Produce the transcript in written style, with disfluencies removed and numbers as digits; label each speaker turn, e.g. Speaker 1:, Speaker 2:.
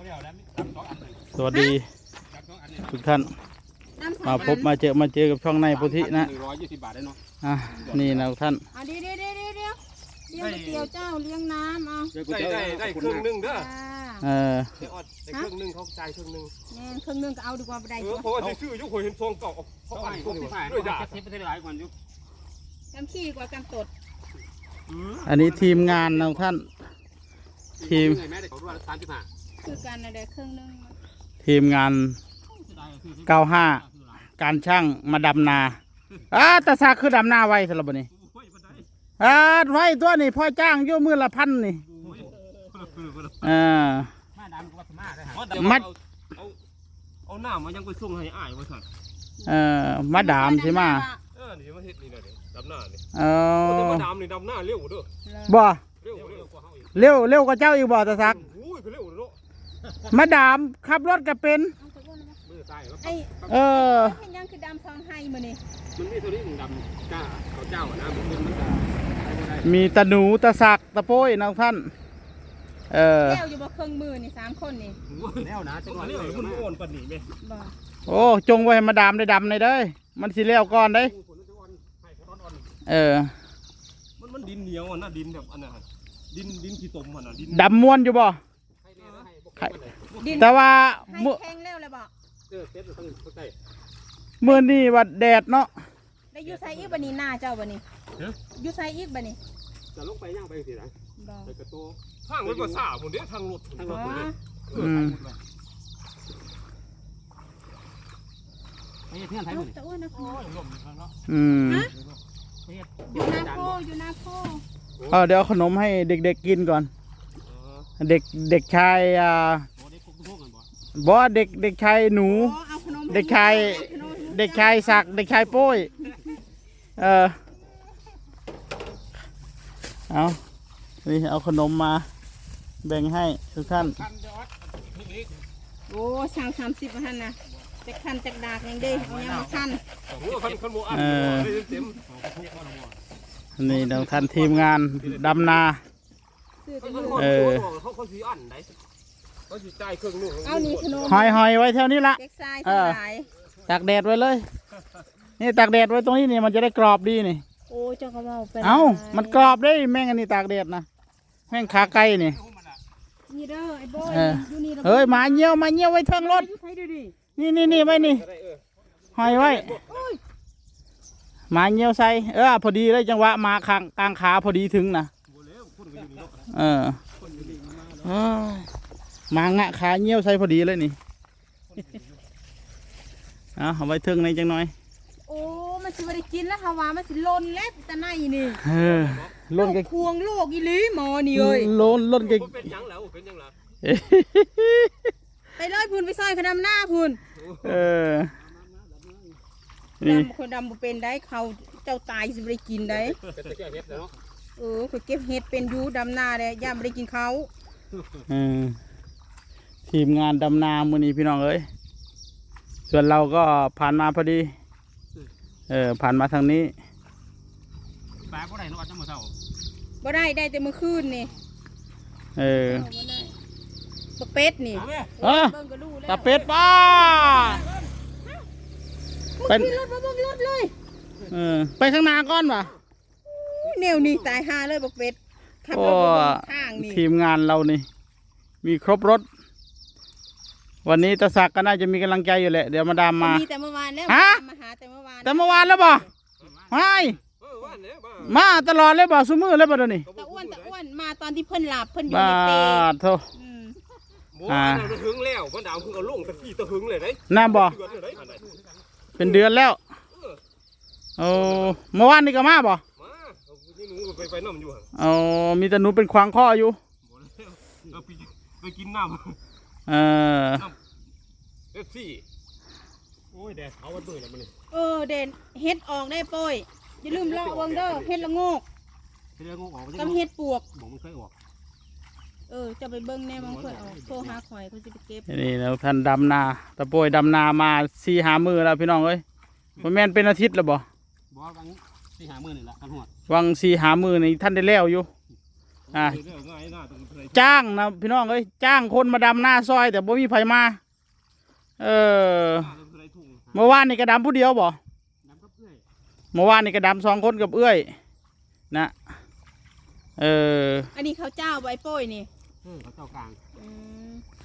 Speaker 1: สวัสดีทุกท่านมาพบมาเจอกับช่องในพุทธินะนี่นะทุกท่าน
Speaker 2: เดี๋ยวเลี้ยงเตี๋ยวเจ้าเลี้ยงน้ำเอา
Speaker 3: ได้ครึ่งนึงเด้อได้ครึ่งนึงเขาจ่ายครึ่งนึง
Speaker 2: แน่ครึ่งนึงก็เอาดีกว่าไปได้
Speaker 3: เพราะว่าซื้อยุคคนเห็นซองเก่าเขาอ่านด้วยยาเซฟไปได้หลายกว่ายุค
Speaker 2: กำขี้กว่ากำตด
Speaker 1: อันนี้ทีมงานนะท่านทีม
Speaker 2: คือการอะไรครึ่งนึง
Speaker 1: ทีมงาน95การช่างมาดำนาตาซาคือดำนาไว้สำหรับนี้ไว้ตัวนี่พ่อจ้างโยมือละ1,000นี่
Speaker 3: มัดเอาหน้ามายังไปส่งให้อ้ายว่าสั่น
Speaker 1: มาดามใช่ไหม
Speaker 3: นี่มาเฮ็ดนี่เลยดำหน้านี่
Speaker 1: มา
Speaker 3: ดามนี่ดำหน้าเร็วเด้อ
Speaker 1: บ่เร็วกว่าเจ้าอีกบ่ตาซักมาดามขับรถก็เป็น
Speaker 2: ยังคือดำซองให้มือนี่
Speaker 3: มันมีตัวนี้ดำก้าเขาเจ้านะ
Speaker 1: มีตะหนูตะสักตะโป้ยนะท่าน
Speaker 2: แล้วอยู่บ่เครื่องมือนี่3คนนี่
Speaker 3: แล้วนะจังหวะนี้มันโอนปนหนีไหม
Speaker 1: โอ้จงไว้มาดามได้ดำในเด้อมันสิเลี้ยวก่อนได้
Speaker 3: มันดินเหนียวอ่ะนะดินแบบอันนั้นดินขี้ตมอ่ะนะดิน
Speaker 1: ดำม้วนอยู่บ่แต่ว่า
Speaker 2: แข็งแล้วเลยบ่
Speaker 1: เมื่อนี่วัดแดดเนาะ
Speaker 2: ได้ยูไซอีกบันนี้หน้าเจ้าบันนี้ยูไซอีกบันนี้
Speaker 3: จะลงไปย่างไปสินะไปกระโตทางรถภาษาผมเดี๋ยวทางรถเลย
Speaker 2: ไปเที่ยวไทยหมดตะอ้วนนะพ่ออยู่นาโพ
Speaker 1: เดี๋ยวขนมให้เด็กๆกินก่อนเด็กชายบ่เด็กชายหนูเด็กชายศักเด็กชายโป้ยเอานี่เอาขนมมาแบ่งให้ทุกท่าน
Speaker 2: โอ้30ท่านนะจะคันจากดากยังได้เอายังมาคัน
Speaker 1: นี่เราท่านทีมงานดำนา
Speaker 3: เขาสีอ่อนไหนเขาสีใจเครื่องนุ่ง
Speaker 2: เอานี่ขนม
Speaker 1: หอยไว้แถวนี้ละตากแดดไว้เลยนี่ตากแดดไว้ตรงนี้นี่มันจะได้กรอบดีนี่
Speaker 2: โอ้เจ้าก็เอาไป
Speaker 1: มันกรอบได้แม่งอันนี้ตากแดดนะแม่งขาไก่นี่
Speaker 2: นี่เด้อไอ้บอย
Speaker 1: เฮ้ยมาเงี้ยวไว้เทิงรถนี่ไว้นี่หอยไว้มาเงี้ยวใส่พอดีเลยจังหวะมากลางขาพอดีถึงนะมางะขาเงี้ยวใส่พอดีเลยนี่เอาไว้เทิงในจังหน่อย
Speaker 2: โอ้มันสิบได้กินแล้วฮาวามันสิลนแล้วแต่ไหนนี่
Speaker 1: ลนกัน
Speaker 2: ควงโลกอีลีหมอนี่เอ้ย
Speaker 1: ลนกัน
Speaker 3: เป็นยังแล้วเป็นยังแล้ว
Speaker 2: ไปเลยพูนไปซอยขนมหน้าพูนดำคนดำเป็นได้เขาเจ้าตายสิบได้กินได้เขาเก็บเห็ดเป็นยูดำนาเลยย่าไม่ได้กินเขา
Speaker 1: ทีมงานดำนามือนี้พี่น้องเอ้ยส่วนเราก็ผ่านมาพอดีผ่านมาทางนี้
Speaker 3: ปลาบ่ได้นอดจังมื้อเช้า
Speaker 2: บ่ได้แต่มื้อคืนนี่ปลาเป็ดนี่
Speaker 1: ตาเป็ดป้า
Speaker 2: เป็นรถเลย
Speaker 1: ไปข้างหน้าก่อนวะ
Speaker 2: แนวนี่ตายหาเลยปลาเป็ดขับรถข้างนี่
Speaker 1: ทีมงานเรานี่มีครบรถวันนี้ตาศักดิ์ก็น่าจะมีกำลังใจอยู่แหละเดี๋ยวมาดามมา
Speaker 2: แต่เมื่อวานแล้วมาหาแต่เมื่อว
Speaker 1: านแล้วบ่มาตลอดเลยบ่ซุมื้อเลยบ่เดี๋ยวนี้
Speaker 2: ตะอ้วนมาตอนที่เพิ่นหลับเพิ่นอยู่ในเปรย์
Speaker 1: โธ่
Speaker 3: หึงแล้วพ่อดาวคือเอาลงตะกี้ตะหึงเลยได้
Speaker 1: น้ำบ่เป็นเดือนแล้วเมื่อวานนี่ก็มาบ่
Speaker 3: นี่หนูไปน้ำอยู่
Speaker 1: มีแต่หนูเป็นควางข้ออยู่
Speaker 3: ไปกินน้ำซี่โอ้ยแดดเขาวันด้วยแล้วมัน
Speaker 2: เด่นเฮ็ดออกได้ป่อยอย่าลืมเลาะเบิ่งเด้อเฮ็ดละโงกกับเฮ็ดปวก
Speaker 3: มันเคยออก
Speaker 2: จะไปเบิ่งแน่มันเคยออกโทรหาข่อยเขาจะไปเก็บ
Speaker 1: นี่แล้วท่านดำนาตะโปยดำนามา4-5 มื้อแล้วพี่น้องเอ้ยบ่แม่นเป็นอาทิตย์แล้วบ่
Speaker 3: วัง4-5 มื้อนี่แหละกันหอด
Speaker 1: วัง4-5 มื้อนี่ท่านได้แล้วอยู่อ่ะ
Speaker 3: เรื่องง่ายหน้าตรงไหน
Speaker 1: จ้างนะพี่น้องเอ้ยจ้างคนมาดำหน้าซอย แต่บ่มีไผมาเมื่อวานนี่กระดำผู้เดียวบ่เมื่อวานนี่กระดำ2 คนกับเอื้อยนะ
Speaker 2: อันนี้เขาเจ้าใบโป้ยนี่
Speaker 3: เขาเจ้ากลาง
Speaker 2: อืม